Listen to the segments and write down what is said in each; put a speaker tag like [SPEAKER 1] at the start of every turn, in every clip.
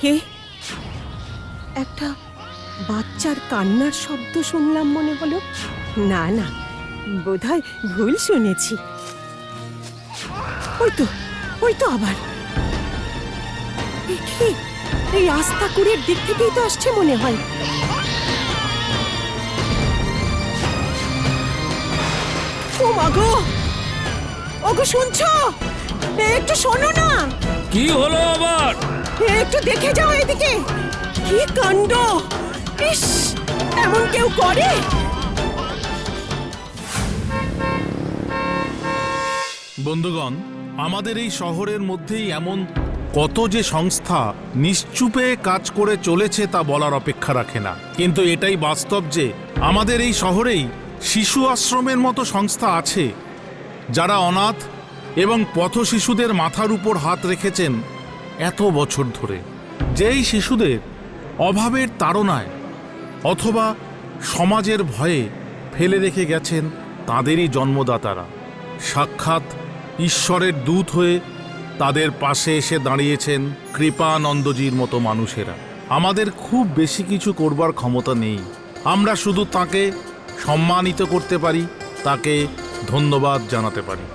[SPEAKER 1] কে? একটা বাচ্চার কান্নার শব্দ শুনলাম মনে হলো। না না, বোধহয় ভুল শুনেছি। ওই তো আবার কি, এই আস্তাকুড়ের দিক থেকেই তো আসছে মনে হয়। ও মা গো, ওগো শুনছো? একটু শোনো না।
[SPEAKER 2] কি হলো আবার?
[SPEAKER 1] একটু দেখে যাও এদিকে। কি কাণ্ড! ইস, এমন কেউ করে?
[SPEAKER 3] বন্ধুগণ, আমাদের এই শহরের মধ্যেই এমন কত যে সংস্থা নিশ্চুপে কাজ করে চলেছে তা বলার অপেক্ষা রাখে না। কিন্তু এটাই বাস্তব যে আমাদের এই শহরেই শিশু আশ্রমের মতো সংস্থা আছে, যারা অনাথ এবং পথ শিশুদের মাথার উপর হাত রেখেছেন এত বছর ধরে। যেই শিশুদের অভাবের তাড়নায় অথবা সমাজের ভয়ে ফেলে রেখে গেছেন তাদেরই জন্মদাতারা সাক্ষাৎ ঈশ্বরের দূত হয়ে তাদের পাশে এসে দাঁড়িয়েছেন কৃপানন্দজির মতো মানুষেরা। আমাদের খুব বেশি কিছু করবার ক্ষমতা নেই, আমরা শুধু তাকে সম্মানিত করতে পারি, তাকে ধন্যবাদ জানাতে পারি।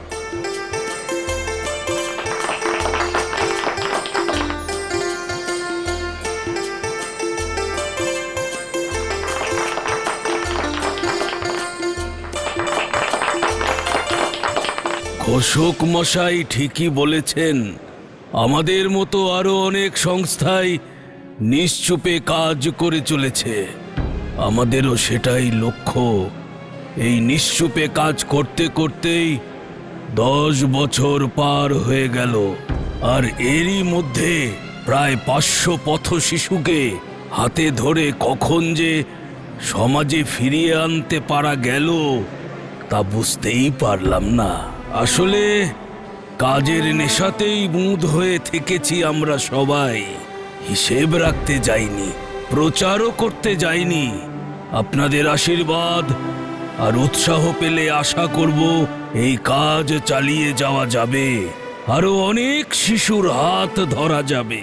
[SPEAKER 2] অশোক মশাই ঠিকই বলেছেন, আমাদের মতো আরো অনেক সংস্থাই নিশ্চুপে কাজ করে চলেছে। আমাদেরও সেটাই লক্ষ্য। এই নিশ্চুপে কাজ করতে করতেই 10 বছর পার হয়ে গেল, আর এরই মধ্যে প্রায় 500 পথ শিশুকে হাতে ধরে কখন যে সমাজে ফিরিয়ে আনতে পারা গেল তা বুঝতেই পারলাম না। আসলে কাজের নেশাতেই মুদ হয়ে থেকেছি আমরা সবাই। হিসেব রাখতে যাইনি, প্রচারও করতে যাইনি। আপনাদের আশীর্বাদ আর উৎসাহ পেলে আশা করব এই কাজ চালিয়ে যাওয়া যাবে, আরো অনেক শিশুর হাত ধরা যাবে।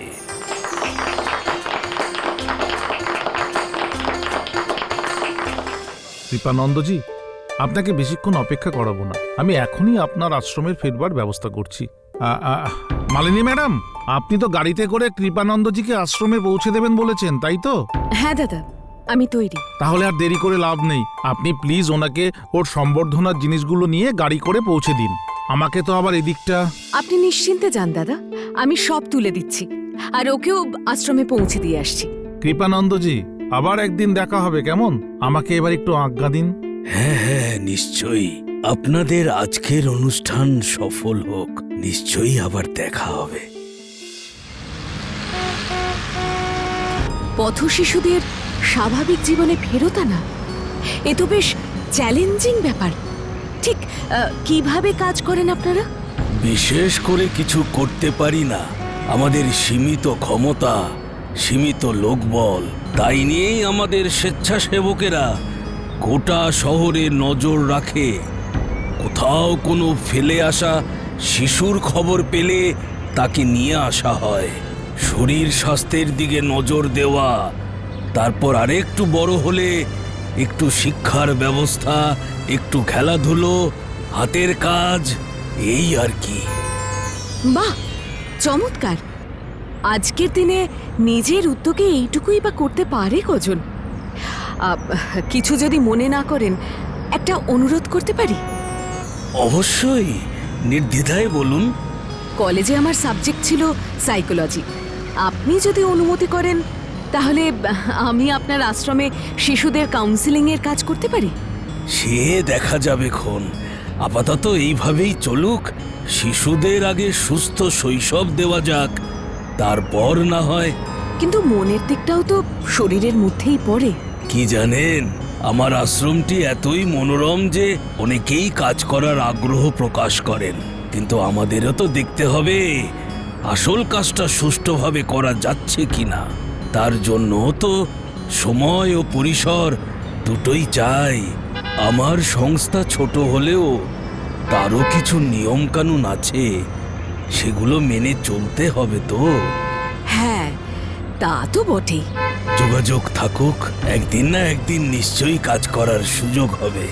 [SPEAKER 3] কৃপানন্দজি, আপনাকে বেশিক্ষণ অপেক্ষা করাবো না, আমি এখনই আপনার আশ্রমের ফেরবার ব্যবস্থা করছি। মালিনী ম্যাডাম, আপনি তো গাড়িতে করে কৃপানন্দজিকে আশ্রমে পৌঁছে দেবেন বলেছেন, তাই তো?
[SPEAKER 4] হ্যাঁ দাদা, আমি তৈরি।
[SPEAKER 3] তাহলে আর দেরি করে লাভ নেই, আপনি প্লিজ ওনাকে ওর সম্বর্ধনার জিনিসগুলো নিয়ে গাড়ি করে পৌঁছে দিন। আমাকে তো আবার এদিকটা।
[SPEAKER 4] আপনি নিশ্চিন্তে যান দাদা, আমি সব তুলে দিচ্ছি, আর ওকেও আশ্রমে পৌঁছে দিয়ে আসছি।
[SPEAKER 3] কৃপানন্দজি, আবার একদিন দেখা হবে কেমন? আমাকে এবার একটু আজ্ঞা দিন।
[SPEAKER 2] হ্যাঁ হ্যাঁ, নিশ্চয়ই। আপনাদের আজকের অনুষ্ঠান সফল হোক, নিশ্চয়ই আবার দেখা হবে।
[SPEAKER 4] পথ শিশুদের স্বাভাবিক জীবনে ফেরত আনা, এ তো বেশ চ্যালেঞ্জিং ব্যাপার। ঠিক কিভাবে কাজ করেন আপনারা?
[SPEAKER 2] বিশেষ করে কিছু করতে পারি না, আমাদের সীমিত ক্ষমতা, সীমিত লোকবল, তাই নিয়েই আমাদের স্বেচ্ছাসেবকেরা গোটা শহরে নজর রাখে। কোথাও কোনো ফেলে আসা শিশুর খবর পেলে তাকে নিয়ে আসা হয়। শরীর স্বাস্থ্যের দিকে নজর দেওয়া, তারপর আরেকটু বড় হলে একটু শিক্ষার ব্যবস্থা, একটু খেলাধুলো, হাতের কাজ, এই আর কি।
[SPEAKER 4] বাহ, চমৎকার। আজকের দিনে নিজের উদ্যোগে এইটুকুই বা করতে পারে কজন? কিছু যদি মনে না করেন, একটা অনুরোধ করতে পারি?
[SPEAKER 2] অবশ্যই, নির্দ্বিধায় বলুন।
[SPEAKER 4] কলেজে আমার সাবজেক্ট ছিল সাইকোলজি। আপনি যদি অনুমতি করেন তাহলে আমি আপনার আশ্রমে শিশুদের কাউন্সিলিংয়ের কাজ করতে পারি।
[SPEAKER 2] সে দেখা যাবে খন, আপাতত এইভাবেই চলুক। শিশুদের আগে সুস্থ শৈশব দেওয়া যাক, তারপর না হয়।
[SPEAKER 4] কিন্তু মনের দিকটাও তো শরীরের মধ্যেই পড়ে।
[SPEAKER 2] কি জানেন, আমার আশ্রমটি এতই মনোরম যে অনেকেই কাজ করার আগ্রহ প্রকাশ করেন, কিন্তু আমাদেরও তো দেখতে হবে আসল কাজটা সুষ্ঠুভাবে করা যাচ্ছে কিনা। তার জন্য তো সময় ও পরিসর দুটোই চাই। আমার সংস্থা ছোট হলেও তারও কিছু নিয়ম কানুন আছে, সেগুলো মেনে চলতে হবে তো।
[SPEAKER 4] হ্যাঁ, তা তো বটেই।
[SPEAKER 2] যোগাযোগ থাকুক, একদিন না একদিন নিশ্চয়ই কাজ করার সুযোগ হবে।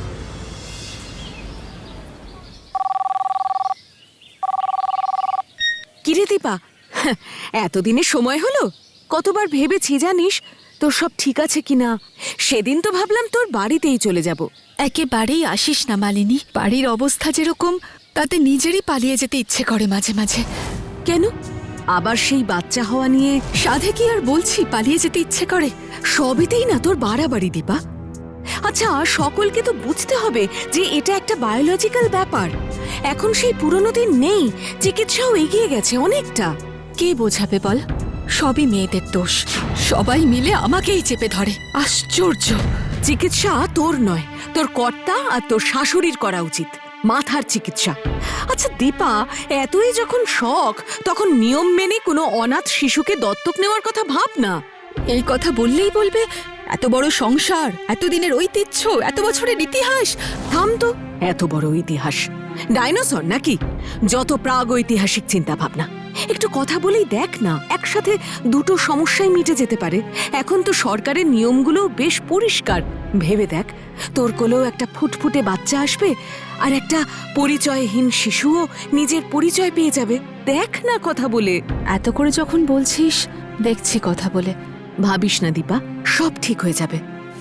[SPEAKER 4] কিরে দীপা, এতদিনে সময় হলো? কতবার ভেবেছি জানিস তোর সব ঠিক আছে কিনা। সেদিন তো ভাবলাম তোর বাড়িতেই চলে যাব।
[SPEAKER 5] একেবারেই আসিস না মালিনী, বাড়ির অবস্থা যেরকম তাতে নিজেরই পালিয়ে যেতে ইচ্ছে করে মাঝে মাঝে।
[SPEAKER 4] কেন? আবার সেই বাচ্চা হওয়া নিয়ে?
[SPEAKER 5] সাধে কি আর বলছি পালিয়ে যেতে ইচ্ছে করে?
[SPEAKER 4] সবেতেই না তোর বাড়াবাড়ি দীপা। আচ্ছা, সকলকে তো বুঝতে হবে যে এটা একটা বায়োলজিক্যাল ব্যাপার। এখন সেই পুরনো দিন নেই, চিকিৎসাও এগিয়ে গেছে অনেকটা।
[SPEAKER 5] কে বোঝাবে বল? সবই মেয়েদের দোষ, সবাই মিলে আমাকেই চেপে ধরে। আশ্চর্য!
[SPEAKER 4] চিকিৎসা তোর নয়, তোর কর্তা আর তোর শাশুড়ির করা উচিত, মাথার চিকিৎসা। আচ্ছা দীপা, এতই যখন শখ, তখন নিয়ম মেনে কোনো অনাথ শিশুকে দত্তক নেওয়ার কথা ভাব না।
[SPEAKER 5] এই কথা বললেই বলবে এত বড় সংসার, এতদিনের ঐতিহ্য, এত বছরের ইতিহাস।
[SPEAKER 4] থাম তো, এত বড় ইতিহাস ডাইনোসর নাকি? যত প্রাগ ঐতিহাসিক চিন্তা ভাবনা। একটু কথা বলেই দেখ না, একসাথে দুটো সমস্যাই মিটে যেতে পারে। এখন তো সরকারের নিয়মগুলো বেশ পরিষ্কার। ভেবে দেখ, তোর কোলেও একটা ফুটফুটে বাচ্চা আসবে, আর একটা পরিচয়হীন শিশুও নিজের পরিচয় পেয়ে যাবে। দেখ না কথা বলে।
[SPEAKER 5] এত করে যখন বলছিস, দেখছি কথা বলে।
[SPEAKER 4] ভাবিস না দীপা, সব ঠিক হয়ে যাবে।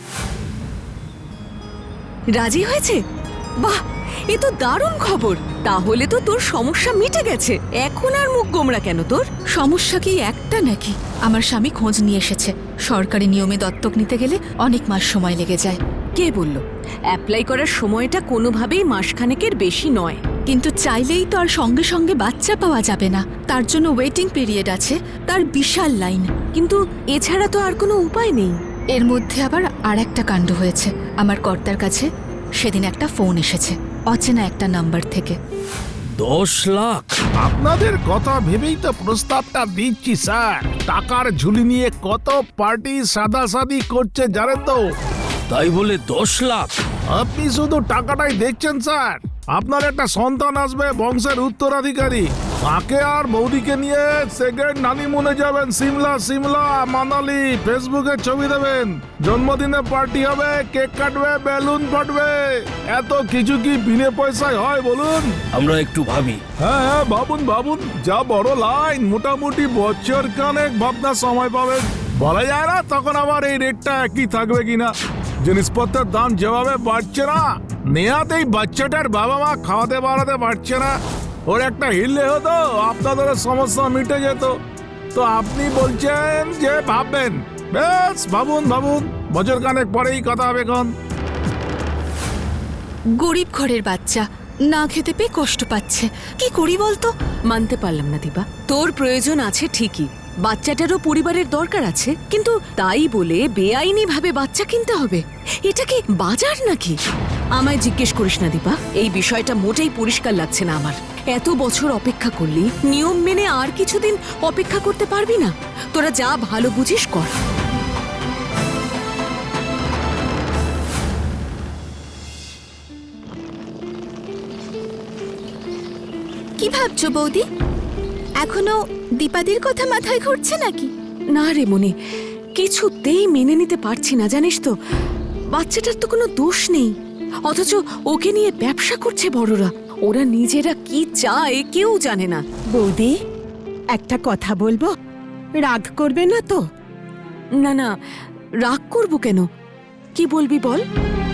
[SPEAKER 4] রাজি হয়েছে? বাহ, এ তো দারুণ খবর। তাহলে তো তোর সমস্যা মিটে গেছে। এখন আর মুখ গোমরা কেন তোর?
[SPEAKER 5] সমস্যা কি একটা নাকি? আমার স্বামী খোঁজ নিয়ে এসেছে, সরকারি নিয়মে দত্তক নিতে গেলে অনেক মাস সময় লেগে যায়।
[SPEAKER 4] কে বলল? অ্যাপ্লাই করার সময়টা কোনোভাবেই মাসখানেকের বেশি নয়।
[SPEAKER 5] কিন্তু চাইলেই তো আর সঙ্গে সঙ্গে বাচ্চা পাওয়া যাবে না, তার জন্য ওয়েটিং পিরিয়ড আছে, তার বিশাল লাইন।
[SPEAKER 4] কিন্তু এছাড়া তো আর কোনো উপায় নেই।
[SPEAKER 5] এর মধ্যে আবার আর একটা কাণ্ড হয়েছে। আমার কর্তার কাছে সেদিন একটা ফোন এসেছে, অচেনা একটা নাম্বার থেকে।
[SPEAKER 2] 10 লাখ?
[SPEAKER 3] আপনাদের কথা ভেবেই তো প্রস্তাবটা দিচ্ছি স্যার। টাকার ঝুলি নিয়ে কত পার্টি সাদাসাদি করছে জানেন তো।
[SPEAKER 2] তাই বলে 10 লাখ?
[SPEAKER 3] আপনি শুধু টাকাটাই দেখছেন স্যার। আপনার একটা সন্তান আসবে, বংশের উত্তরাধিকারী। তাকে আর বৌদিকে নিয়ে সেকেন্ড হানিমুনে যাবেন সিমলা মানালি। ফেসবুকে ছবি দেবেন, জন্মদিনে পার্টি হবে, কেক কাটবে, বেলুন ফাটবে। এত কিছু কি বিনে পয়সায় হয় বলুন?
[SPEAKER 2] আমরা একটু ভাবি।
[SPEAKER 3] হ্যাঁ, ভাবুন। যা বড় লাইন, মোটামুটি বছর খানেক ভাবনার সময় পাবেন। বলা যায় না তখন আবার এই রেটটা একই থাকবে কিনা। জিনিসপত্রের দাম যেভাবে বাড়ছে না, নেহাতেই বাচ্চাটার বাবা মা খাওয়াতে বাড়াতে পারছে না। ওর একটা হিললে হতো, আপনাদের সমস্যা মিটে যেত। তো আপনি বলছেন যে ভাববেন। বেশ, ভাবুন। বছর খানেক পরেই কথা হবে। এখন
[SPEAKER 5] গরিব ঘরের বাচ্চা, না খেতে পেয়ে কষ্ট পাচ্ছে, কি করি বলতো?
[SPEAKER 4] মানতে পারলাম না দীপা, তোর প্রয়োজন আছে ঠিকই, বাচ্চাটারও পরিবারের দরকার আছে, কিন্তু তাই বলে বেআইনি ভাবে বাচ্চা কিনতে হবে? এটা কি বাজার নাকি? আমায় জিজ্ঞেস করিস না দীপা, এই বিষয়টা মোটেই পরিষ্কার লাগছে না আমার। এত বছর অপেক্ষা করলি, নিয়ম মেনে আর কিছুদিন অপেক্ষা করতে পারবি না? তোরা যা ভালো বুঝিস কর।
[SPEAKER 5] কি ভাবছো বৌদি? এখনো দীপাদির কথা মাথায় ঘুরছে নাকি?
[SPEAKER 4] না রে মনি, কিছুতেই মেনে নিতে পারছি না জানিস তো। বাচ্চাটার তো কোনো দোষ নেই, অথচ ওকে নিয়ে ব্যবসা করছে বড়রা। ওরা নিজেরা কি চায় কেউ জানে না।
[SPEAKER 1] বৌদি, একটা কথা বলবো, রাগ করবে না তো?
[SPEAKER 4] না, রাগ করবো কেন? কি বলবি বল।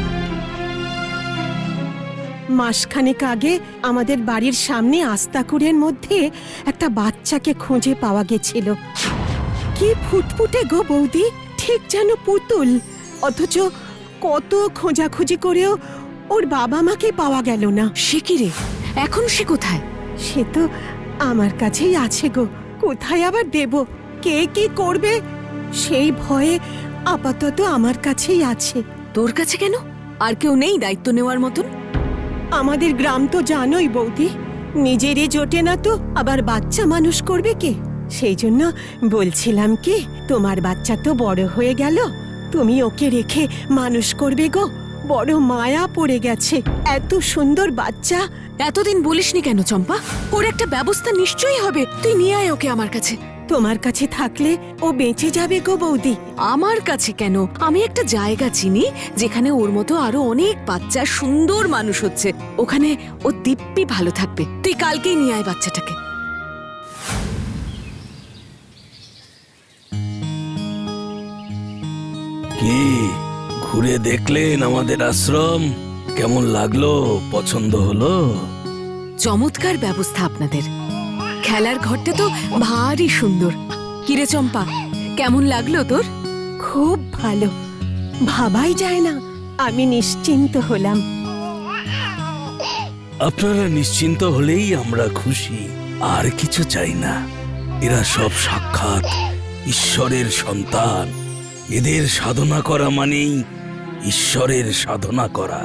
[SPEAKER 1] মাসখানেক আগে আমাদের বাড়ির সামনে আস্তাকুড়ের মধ্যে একটা বাচ্চাকে খুঁজে পাওয়া গেছিল। কি ফুটফুটে গো বৌদি, ঠিক যেন পুতুল। অথচ কত খোঁজাখুঁজি করেও ওর বাবা মাকে পাওয়া গেল না।
[SPEAKER 4] সে কি রে, এখন সে কোথায়?
[SPEAKER 1] সে তো আমার কাছেই আছে গো, কোথায় আবার দেব? কে কি করবে সেই ভয়ে আপাতত আমার কাছেই আছে।
[SPEAKER 4] তোর কাছে কেন? আর কেউ নেই দায়িত্ব নেওয়ার মতন?
[SPEAKER 1] আমাদের গ্রাম তো জানোই বৌদি, নিজেরই জোটে না তো আবার বাচ্চা মানুষ করবে কে? সেই জন্য বলছিলাম কি, তোমার বাচ্চা তো বড় হয়ে গেল, তুমি ওকে রেখে মানুষ করবে গো। বড় মায়া পড়ে গেছে, এত সুন্দর বাচ্চা।
[SPEAKER 4] এতদিন বলিসনি কেন চম্পা? ওর একটা ব্যবস্থা নিশ্চয়ই হবে, তুই নিয়ে আয় ওকে আমার কাছে।
[SPEAKER 1] তোমার কাছে থাকলে ও বেঁচে যাবে গো বৌদি।
[SPEAKER 4] আমার কাছে কেন? আমি একটা জায়গা চিনি যেখানে ওর মতো আরো অনেক বাচ্চা সুন্দর মানুষ হচ্ছে। ওখানে ও দিব্যি ভালো থাকবে। তুই কালকেই নিয়ে আয় বাচ্চাটাকে।
[SPEAKER 2] কি ঘুরে দেখলেন আমাদের আশ্রম? কেমন লাগলো? পছন্দ হলো?
[SPEAKER 4] চমৎকার ব্যবস্থা আপনাদের। খেলার ঘরটা তো ভারী সুন্দর। কিরে চম্পা, কেমন লাগলো তোর?
[SPEAKER 1] খুব ভালো, ভাবাই যায় না। আমি নিশ্চিন্ত হলাম।
[SPEAKER 2] আপনারা নিশ্চিন্ত হলেই আমরা খুশি, আর কিছু চাই না। এরা সব সাক্ষাৎ ঈশ্বরের সন্তান। এদের সাধনা করা মানেই ঈশ্বরের সাধনা করা।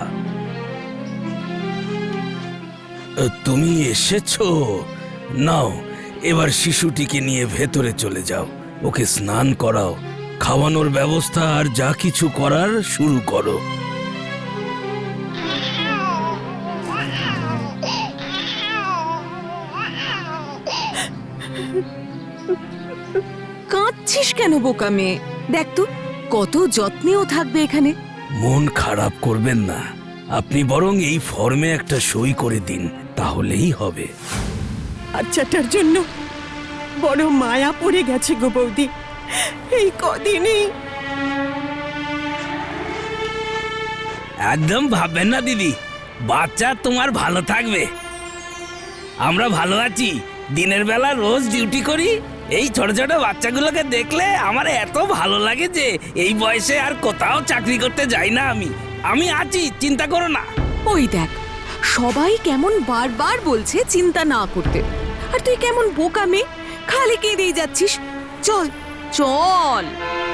[SPEAKER 2] তুমি এসেছো? নাও, এবার শিশুটিকে নিয়ে ভেতরে চলে যাও। ওকে স্নান করাও, খাওয়ানোর ব্যবস্থা আর যা কিছু করার শুরু করো।
[SPEAKER 4] কাঁদছিস কেন বোকা মেয়ে? দেখ তো কত যত্নেও থাকবে এখানে।
[SPEAKER 2] মন খারাপ করবেন না, আপনি বরং এই ফর্মে একটা সই করে দিন, তাহলেই হবে।
[SPEAKER 1] বাচ্চাটার জন্য বড় মায়া পড়ে গেছে গো বৌদি। এই কদিনই
[SPEAKER 2] একদম ভাববেন না দিদি, বাচ্চা তোমার ভালো থাকবে। আমরা ভালো আছি। দিনের বেলা রোজ ডিউটি করি। এই ছোট ছোট বাচ্চাগুলোকে দেখলে আমার এত ভালো লাগে যে এই বয়সে আর কোথাও চাকরি করতে যাই না। আমি আছি, চিন্তা করো না।
[SPEAKER 4] ওই দেখ, সবাই কেমন বারবার বলছে চিন্তা না করতে, আর তুই কেমন বোকা মেয়ে খালি কেঁদেই যাচ্ছিস। চল চল।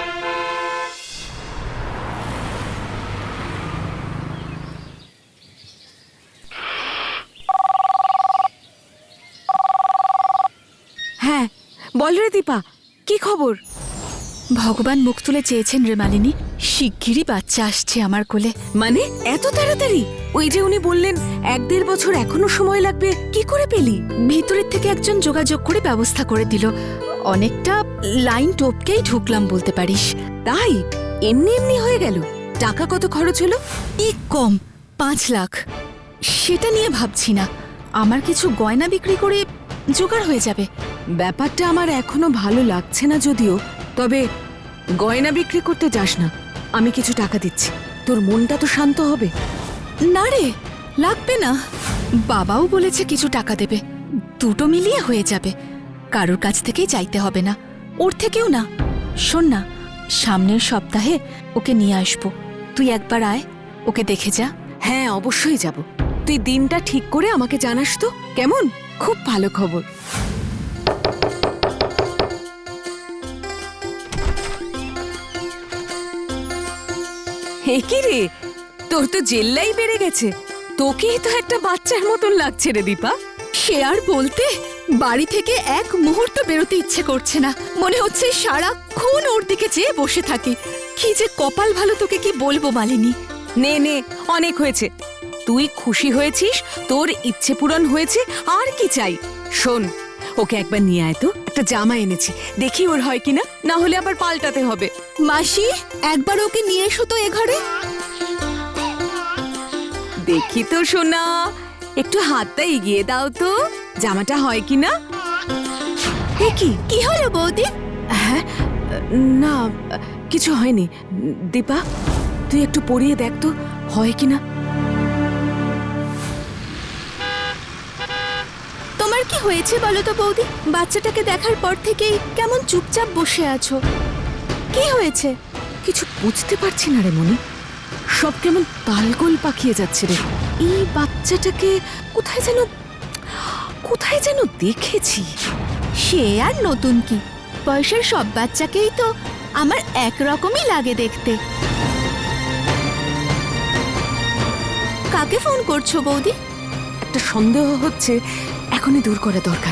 [SPEAKER 4] হ্যাঁ বল রে দীপা, কি খবর?
[SPEAKER 5] ভগবান মুখ তুলে চেয়েছেন রে মালিনী, শিগগিরই বাচ্চা আসছে আমার কোলে।
[SPEAKER 4] মানে এত তাড়াতাড়ি? ওই যে উনি বললেন 1-1.5 বছর এখনো সময় লাগবে, কি করে পেলি?
[SPEAKER 5] ভিতরের থেকে একজন যোগাযোগ করে ব্যবস্থা করে দিল। অনেকটা লাইন টপকেই ঢুকলাম বলতে পারিস।
[SPEAKER 4] তাই? এমনি এমনি হয়ে গেল? টাকা কত খরচ হলো?
[SPEAKER 5] এই কম 5 লাখ। সেটা নিয়ে ভাবছি না, আমার কিছু গয়না বিক্রি করে জোগাড় হয়ে যাবে।
[SPEAKER 4] ব্যাপারটা আমার এখনো ভালো লাগছে না যদিও, তবে গয়না বিক্রি করতে যাস না। আমি কিছু টাকা দিচ্ছি, তোর মনটা তো শান্ত হবে।
[SPEAKER 5] না রে, লাগবে না। বাবাও বলেছে কিছু টাকা দেবে, দুটো মিলিয়ে হয়ে যাবে। কারোর কাছ থেকেই চাইতে হবে না, ওর থেকেও না। শোন না, সামনের সপ্তাহে ওকে নিয়ে আসবো, তুই একবার আয়, ওকে দেখে যা।
[SPEAKER 4] হ্যাঁ অবশ্যই যাব। তুই দিনটা ঠিক করে আমাকে জানাস তো, কেমন? খুব ভালো খবর। হে কি রে, তোর তো জেল্লাই বেড়ে গেছে। তোকেই তো একটা বাচ্চার মতন লাগছে রে দীপা।
[SPEAKER 5] সে আর বলতে, বাড়ি থেকে এক মুহূর্ত বেরোতে ইচ্ছে করছে না। মনে হচ্ছে সারাক্ষণ ওর দিকে চেয়ে বসে থাকি। কি যে কপাল ভালো, তোকে কি বলবো মালিনী।
[SPEAKER 4] নে নে, অনেক হয়েছে। তুই খুশি হয়েছিস, তোর ইচ্ছে পূরণ হয়েছে, আর কি চাই? শোন, ওকে একবার নিয়ে আয় তো। একটা জামা এনেছি, দেখি ওর হয় কিনা, না হলে আবার পাল্টাতে হবে।
[SPEAKER 5] মাসি, একবার ওকে নিয়ে এসো তো এ ঘরে।
[SPEAKER 4] দেখি তো সোনা, একটু হাতটা এগিয়ে দাও তো, জামাটা হয় কিনা।
[SPEAKER 5] কি হলো বৌদি?
[SPEAKER 4] হ্যাঁ, না কিছু হয়নি। দীপা, তুই একটু পরিয়ে দেখ তো হয় কিনা।
[SPEAKER 5] তোমার কি হয়েছে বলো তো বৌদি? বাচ্চাটাকে দেখার পর থেকেই কেমন চুপচাপ বসে আছো, কি হয়েছে?
[SPEAKER 4] কিছু বুঝতে পারছি না রে মনি, সব কেমন তালগোল পাকিয়ে যাচ্ছে রে। এই বাচ্চাটাকে কোথায় যেন দেখেছি।
[SPEAKER 5] সে আর নতুন কি, বয়সের সব বাচ্চাকেই তো আমার একরকমই লাগে দেখতে। কাকে ফোন করছো বৌদি?
[SPEAKER 4] একটা সন্দেহ হচ্ছে, এখনই দূর করা দরকার।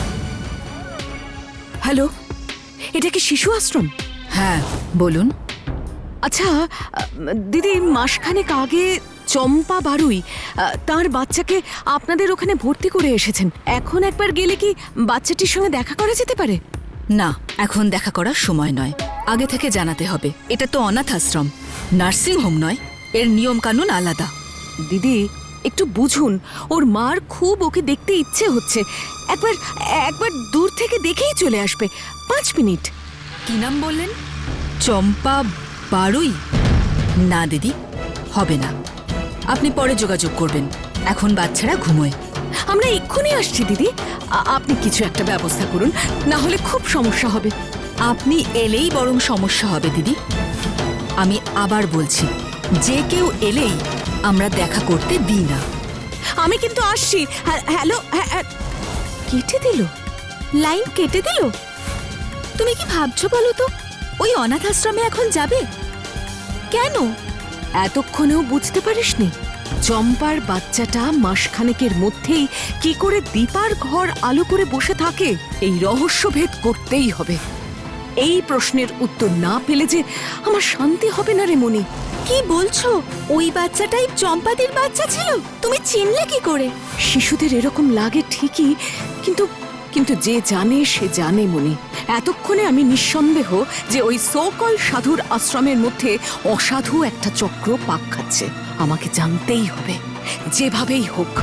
[SPEAKER 4] হ্যালো, এটা কি শিশু আশ্রম?
[SPEAKER 5] হ্যাঁ বলুন।
[SPEAKER 4] আচ্ছা দিদি, মাসখানেক আগে চম্পা বারুই তার বাচ্চাকে আপনাদের ওখানে ভর্তি করে এসেছেন। এখন একবার গেলে কি বাচ্চাটির সঙ্গে দেখা করা যেতে পারে?
[SPEAKER 5] না, এখন দেখা করার সময় নয়। আগে থেকে জানাতে হবে। এটা তো অনাথ আশ্রম, নার্সিং হোম নয়। এর নিয়ম কানুন আলাদা।
[SPEAKER 4] দিদি একটু বুঝুন, ওর মার খুব ওকে দেখতে ইচ্ছে হচ্ছে। একবার একবার দূর থেকে দেখেই চলে আসবে, 5 মিনিট।
[SPEAKER 5] কি নাম বললেন? চম্পা বারুই? না দিদি, হবে না। আপনি পরে যোগাযোগ করবেন। এখন বাচ্চারা ঘুমোয়।
[SPEAKER 4] আমরা এক্ষুনি আসছি দিদি, আপনি কিছু একটা ব্যবস্থা করুন, না হলে খুব সমস্যা হবে।
[SPEAKER 5] আপনি এলেই বরং সমস্যা হবে দিদি। আমি আবার বলছি, যে কেউ এলেই আমরা দেখা করতে দিই না।
[SPEAKER 4] আমি কিন্তু আসছি। হ্যালো, কেটে দিল, লাইন কেটে দিল।
[SPEAKER 5] তুমি কি ভাবছো বলো তো? ওই অনাথ আশ্রমে এখন যাবে কেন?
[SPEAKER 4] এতক্ষণেও বুঝতে পারিসনি? চম্পার বাচ্চাটা মাসখানেকের মধ্যেই কি করে দীপার ঘর আলো করে বসে থাকে, এই রহস্যভেদ করতেই হবে। এই প্রশ্নের উত্তর না পেলে যে আমার শান্তি হবে না রে মনি।
[SPEAKER 5] কি বলছো? ওই বাচ্চাটাই চম্পাদির বাচ্চা ছিল? তুমি চিনলে কি করে?
[SPEAKER 4] শিশুদের এরকম লাগে ঠিকই, কিন্তু কিন্তু যে জানে সে জানে মনি। এতক্ষণে আমি নিঃসন্দেহ যে ওই সোকল সাধুর আশ্রমের মধ্যে অসাধু একটা চক্র পাক খাচ্ছে। আমাকে জানতেই হবে, যেভাবেই হোক।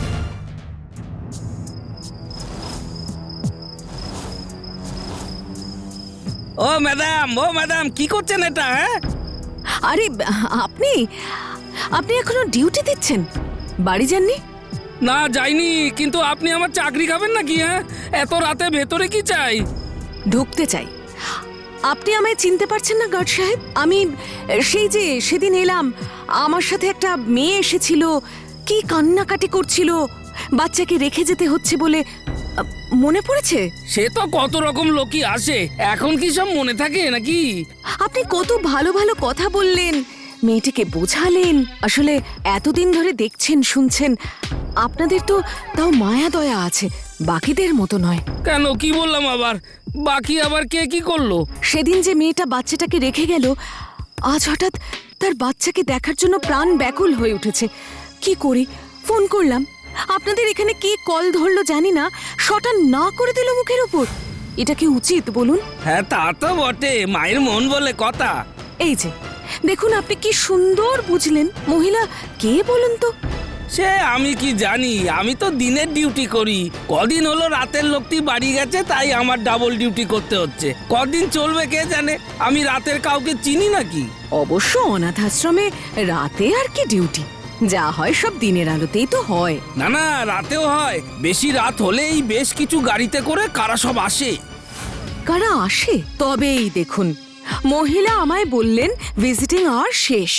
[SPEAKER 2] ও ম্যাডাম কি করছেন এটা? হ্যাঁ,
[SPEAKER 4] আরে আপনি আপনি এখনো ডিউটি দিচ্ছেন? বাড়ি যাননি?
[SPEAKER 2] না যাইনি, কিন্তু আপনি আমার চাকরি খাবেন নাকি? হ্যাঁ, এত রাতে ভেতরে কি চাই?
[SPEAKER 4] ঢুকতে চাই। আপনি আমায় চিনতে পারছেন না গার্ড সাহেব? আমি সেই যে সেদিন এলাম, আমার সাথে একটা মেয়ে এসেছিল, কি কান্নাকাটি করছিল, বাচ্চাকে রেখে যেতে হচ্ছে বলে। মনে পড়েছে?
[SPEAKER 2] সে তো কত রকম লোকই আসে, এখন কি সব মনে থাকে নাকি?
[SPEAKER 4] আপনি কত ভালো ভালো কথা বললেন, মেয়েটিকে বোঝালেন। আসলে এতদিন ধরে দেখছেন শুনছেন, আপনাদের তো তাও মায়া দয়া আছে, বাকিদের মতো নয়।
[SPEAKER 2] কেন, কি বললাম আবার? বাকি আবার কে কি করলো?
[SPEAKER 4] সেদিন যে মেয়েটা বাচ্চাটাকে রেখে গেল, আজ হঠাৎ তার বাচ্চাকে দেখার জন্য প্রাণ ব্যাকুল হয়ে উঠেছে। কি করি? ফোন করলাম, আপনাদের এখানে কে কল ধরলো জানি না, শটা না করে দিল মুখের উপর। এটা কি উচিত বলুন?
[SPEAKER 2] হ্যাঁ, তা তো বটে, মায়ের মন বলে কথা।
[SPEAKER 4] এই যে দেখুন, আপনি কি সুন্দর বুঝলেন। মহিলা কে বলুন তো?
[SPEAKER 2] সে আমি কি জানি, আমি তো দিনের ডিউটি করি। কদিন হলো রাতের লোকটি বাড়ি গেছে, তাই আমার ডাবল ডিউটি করতে হচ্ছে। কদিন চলবে কে জানে, আমি রাতের কাউকে চিনি নাকি?
[SPEAKER 4] অবশ্য অনাথ আশ্রমে রাতে আর কি ডিউটি, যা হয় সব দিনের আলোতেই তো হয়।
[SPEAKER 2] না না, রাতেও হয়। বেশি রাত হলেই বেশ কিছু গাড়িতে করে কারা সব আসে।
[SPEAKER 4] কারা আসে? তবেই দেখুন, মহিলা আমায় বললেন ভিজিটিং আওয়ার শেষ।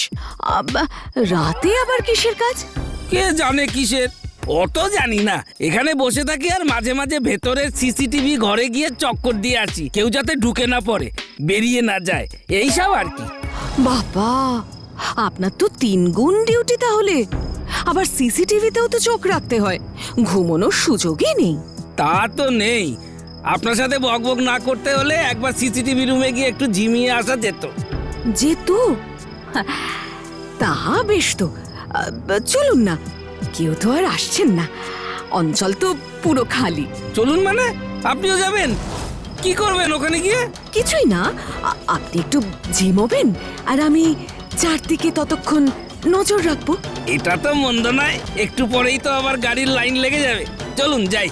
[SPEAKER 4] রাতে আবার কিসের কাজ?
[SPEAKER 2] কে জানে কিসের, অত জানি না। এখানে বসে থাকি আর মাঝে মাঝে ভেতরের সিসিটিভি ঘরে গিয়ে চক্কর দিয়ে আসি, কেউ যাতে ঢুকে না পড়ে, বেরিয়ে না যায়, এইসব আর কি।
[SPEAKER 4] বাবা, আপনার তো 3 গুণ ডিউটি তাহলে। আবার সিসিটিভিতেও তো চোখ রাখতে হয়, ঘুমানোর সুযোগই নেই।
[SPEAKER 2] তা তো নেই। আপনার সাথে বকবক না করতে হলে একবার সিসিটিভি রুমে গিয়ে একটু ঝিমিয়ে আসা যেত।
[SPEAKER 4] যেহেতু তা বেশ তো, চলুন না। কেউ তো আর আসছেন না, অঞ্চল তো পুরো খালি।
[SPEAKER 2] চলুন মানে? আপনিও যাবেন? কি করবেন ওখানে গিয়ে?
[SPEAKER 4] কিছুই না, আপনি একটু ঝিমোবেন আর আমি চারদিকে ততক্ষণ নজর রাখবো।
[SPEAKER 2] এটা তো মন্দ নয়, একটু পরেই তো আবার গাড়ির লাইন লেগে যাবে। চলুন যাই।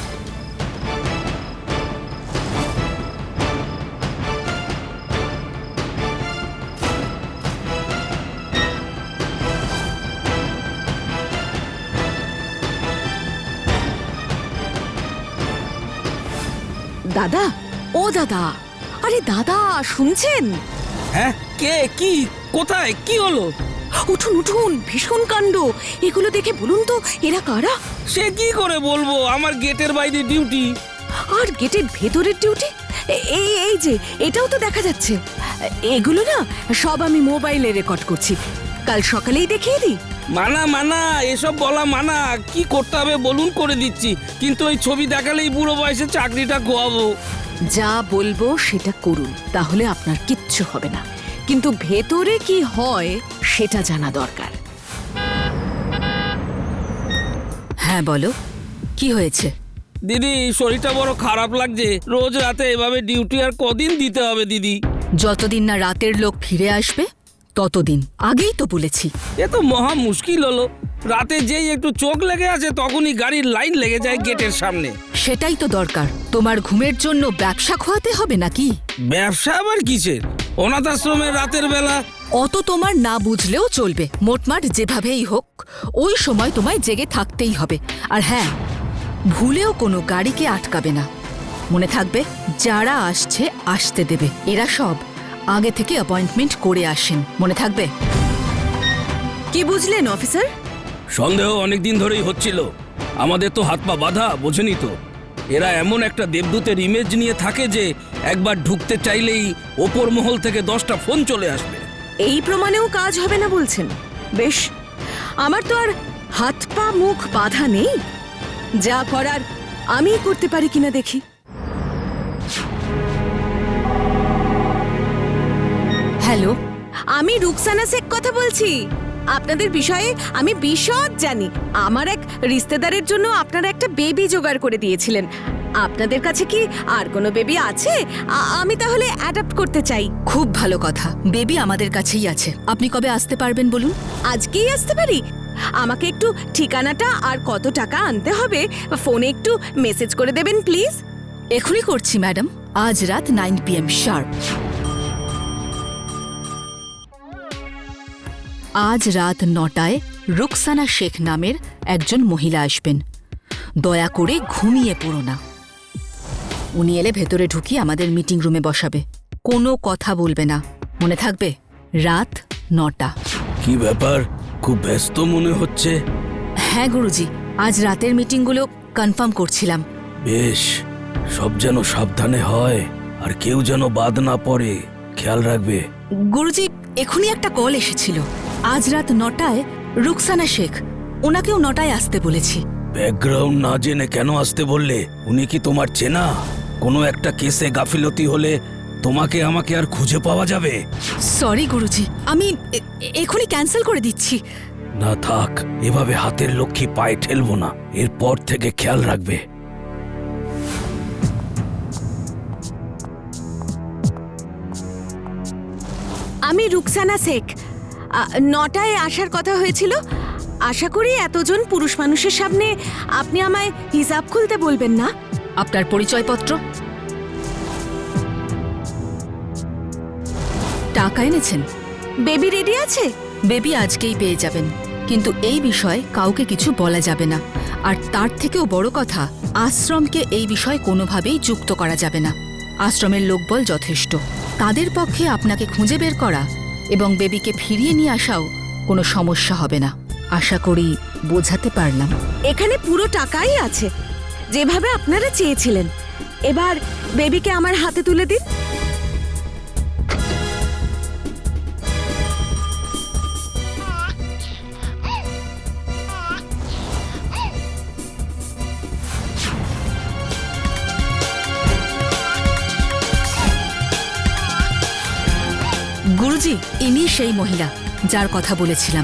[SPEAKER 4] দাদা, ও দাদা, আরে দাদা শুনছেন?
[SPEAKER 2] হ্যাঁ, কে, কি, কোথায়, কি হলো?
[SPEAKER 4] উঠুন উঠুন, ভীষণ কাণ্ড। এগুলো দেখে বলুন তো এরা কারা?
[SPEAKER 2] সে কি করে বলবো, আমার গেটের বাইরে ডিউটি।
[SPEAKER 4] আর গেটের ভেতরের ডিউটি? এই এই যে এটাও তো দেখা যাচ্ছে। এগুলো না সব আমি মোবাইলে রেকর্ড করছি, কাল সকালেই দেখিয়ে দিই।
[SPEAKER 2] মানা মানা, এসব বলা মানা। কি করতে হবে বলুন, করে দিচ্ছি, কিন্তু ওই ছবি দেখালেই বুড়ো বয়সে চাকরিটা খোয়াবো।
[SPEAKER 4] যা বলবো সেটা করুন, তাহলে আপনার কিচ্ছু হবে না, কিন্তু ভেতরে কি হয় সেটা জানা দরকার।
[SPEAKER 5] হ্যাঁ বলো, কি হয়েছে?
[SPEAKER 2] দিদি শরীরটা বড় খারাপ লাগছে, রোজ রাতে এভাবে ডিউটি আর কদিন দিতে হবে দিদি?
[SPEAKER 5] যতদিন না রাতের লোক ফিরে আসবে ততদিন। আগেই তো বলেছি।
[SPEAKER 2] এ তো মহা মুশকিল হলো, রাতে যেই একটু চোখ লেগে আছে তখনই গাড়ির লাইন লেগে যায় গেটের সামনে।
[SPEAKER 5] সেটাই তো দরকার। তোমার ঘুমের জন্য ব্যবসা খোয়াতে হবে নাকি?
[SPEAKER 2] ব্যবসা আবার কিসের? অনাথ আশ্রমের রাতের বেলা।
[SPEAKER 5] অত তোমার না বুঝলেও চলবে। মোটমাট যেভাবেই হোক ওই সময় তোমায় জেগে থাকতেই হবে। আর হ্যাঁ, ভুলেও কোনো গাড়িকে আটকাবে না। মনে থাকবে, যারা আসছে আসতে দেবে। এরা সব আগে থেকে অ্যাপয়েন্টমেন্ট করে আসেন, মনে থাকবে।
[SPEAKER 4] কি বুঝলেন অফিসার?
[SPEAKER 2] সন্দেহ অনেকদিন ধরেই হচ্ছিল, আমাদের তো হাত পা বাঁধা, বোঝেনি তো। এরা এমন একটা দেবদূতের ইমেজ নিয়ে থাকে যে একবার ঢুকতে চাইলেই ওপর মহল থেকে 10টা ফোন চলে আসবে।
[SPEAKER 4] এই প্রমাণেও কাজ হবে না বলছেন? বেশ, আমার তো আর হাত পা মুখ বাঁধা নেই। যা করার আমিই করতে পারি কিনা দেখি।
[SPEAKER 5] হ্যালো,
[SPEAKER 4] আমি রুকসানা শেখ কথা বলছি। আপনাদের বিষয়ে আমি বিশদ জানি। আমার এক রিশতেদারের জন্য আপনারা একটা বেবি জোগাড় করে দিয়েছিলেন। আপনাদের কাছে কি আর কোনো বেবি আছে? আমি তাহলে অ্যাডাপ্ট করতে চাই।
[SPEAKER 5] খুব ভালো কথা। বেবি আমাদের কাছেই আছে। আপনি কবে আসতে পারবেন বলুন?
[SPEAKER 4] আজকেই আসতে পারি? আমাকে একটু ঠিকানাটা আর কত টাকা আনতে হবে ফোনে একটু মেসেজ করে দেবেন প্লিজ।
[SPEAKER 5] এখনই করছি ম্যাডাম, আজ রাত 9 PM শার্প। আজ রাত 9টায় রুকসানা শেখ নামের একজন মহিলা আসবেন। দয়া করে ঘুমিয়ে পড়ো না। উনি এলে ভেতরে ঢুকিয়ে আমাদের মিটিং রুমে বসাবে। কোনো কথা বলবে না, মনে থাকবে। রাত 9টা।
[SPEAKER 2] কি ব্যাপার, খুব ব্যস্ত মনে হচ্ছে?
[SPEAKER 5] হ্যাঁ গুরুজি, আজ রাতের মিটিংগুলো কনফার্ম করছিলাম।
[SPEAKER 2] বেশ, সব যেন সাবধানে হয় আর কেউ যেন বাদ না পড়ে, খেয়াল রাখবে।
[SPEAKER 5] গুরুজি, এখনই একটা কল এসেছিল। আজ রাত 9টায় রুকসানা শেখ, ওনাকেও 9টায় আসতে বলেছি।
[SPEAKER 2] ব্যাকগ্রাউন্ড না জেনে কেন আসতে বললে? উনি কি তোমার চেনা? কোনো একটা কেসে গাফিলতি হলে তোমাকে আমাকে আর খুঁজে পাওয়া যাবে?
[SPEAKER 5] সরি গুরুজি, আমি এখনই ক্যান্সেল করে দিচ্ছি।
[SPEAKER 2] না থাক, এভাবে হাতের লক্ষ্মী পায়ে ঠেলবো না। এরপর থেকে খেয়াল রাখবে।
[SPEAKER 4] আমি রুকসানা শেখ। 9টায় আসার কথা হয়েছিল। আশা করি এতজন পুরুষ মানুষের সামনে আপনি আমায় হিসাব খুলতে বলবেন না।
[SPEAKER 5] আপনার পরিচয়পত্র? টাকা এনেছেন?
[SPEAKER 4] বেবি রেডি আছে?
[SPEAKER 5] বেবি আজকেই পেয়ে যাবেন, কিন্তু এই বিষয়ে কাউকে কিছু বলা যাবে না। আর তার থেকেও বড় কথা, আশ্রমকে এই বিষয়ে কোনোভাবেই যুক্ত করা যাবে না। আশ্রমের লোকবল যথেষ্ট। তাদের পক্ষে আপনাকে খুঁজে বের করা এবং বেবিকে ফিরিয়ে নিয়ে আসাও কোনো সমস্যা হবে না। আশা করি বোঝাতে পারলাম।
[SPEAKER 4] এখানে পুরো টাকাই আছে, যেভাবে আপনারা চেয়েছিলেন। এবার বেবিকে আমার হাতে তুলে দিন।
[SPEAKER 5] গুরুজি, ইনি সেই মহিলা যার কথা বলেছিলাম।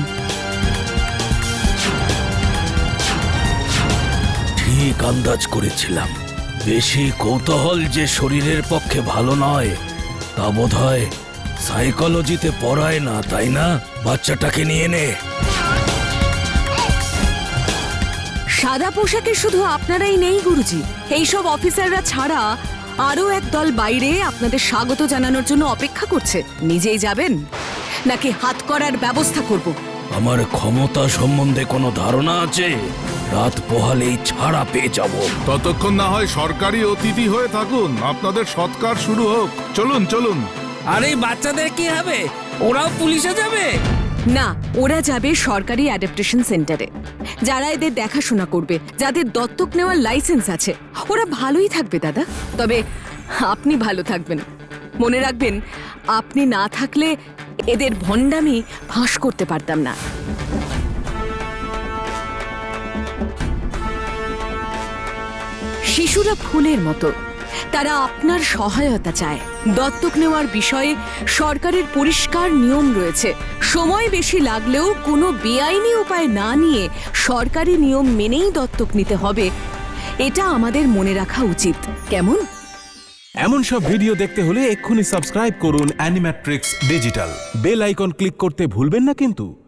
[SPEAKER 2] ঠিক আন্দাজ করেছিলাম। বেশি কৌতূহল যে শরীরের পক্ষে ভালো নয়, তা বোধহয় সাইকোলজিতে পড়ায় না, তাই না? বাচ্চাটাকে নিয়ে নে।
[SPEAKER 4] সাদা পোশাকে শুধু আপনারাই নেই গুরুজি, এইসব অফিসাররা ছাড়া আরো এক দল বাইরে আপনাদের স্বাগত জানানোর জন্য অপেক্ষা করছে। নিজেই যাবেন নাকি হাত করার ব্যবস্থা করব?
[SPEAKER 2] আমার ক্ষমতা সম্বন্ধে কোনো ধারণা আছে? রাত পোহালেই ছাড়া পেয়ে যাব।
[SPEAKER 3] ততক্ষণ না হয় সরকারি অতিথি হয়ে থাকুন, আপনাদের সৎকার শুরু হোক। চলুন চলুন।
[SPEAKER 2] আর এই বাচ্চাদের কি হবে? ওরাও পুলিশে যাবে?
[SPEAKER 4] না, ওরা যাবে সরকারি অ্যাডাপ্টেশন সেন্টারে। যারা এদের দেখাশোনা করবে, যাদের দত্তক নেওয়ার লাইসেন্স আছে, ওরা ভালোই থাকবে দাদা। তবে আপনি ভালো থাকবেন। মনে রাখবেন, আপনি না থাকলে এদের ভণ্ডামি ফাঁস করতে পারতাম না। শিশুরা ফুলের মতো, তারা আপনার সহায়তা চায়। দত্তক নেওয়ার বিষয়ে সরকারের পরিষ্কার নিয়ম রয়েছে। সময় বেশি লাগলেও কোনো বেআইনি উপায় না নিয়ে সরকারি নিয়ম মেনেই দত্তক নিতে হবে, এটা আমাদের মনে রাখা উচিত, কেমন?
[SPEAKER 6] এমন সব ভিডিও দেখতে হলে এক্ষুনি সাবস্ক্রাইব করুন Animatrix digital. Bell icon click করতে ভুলবেন না কিন্তু।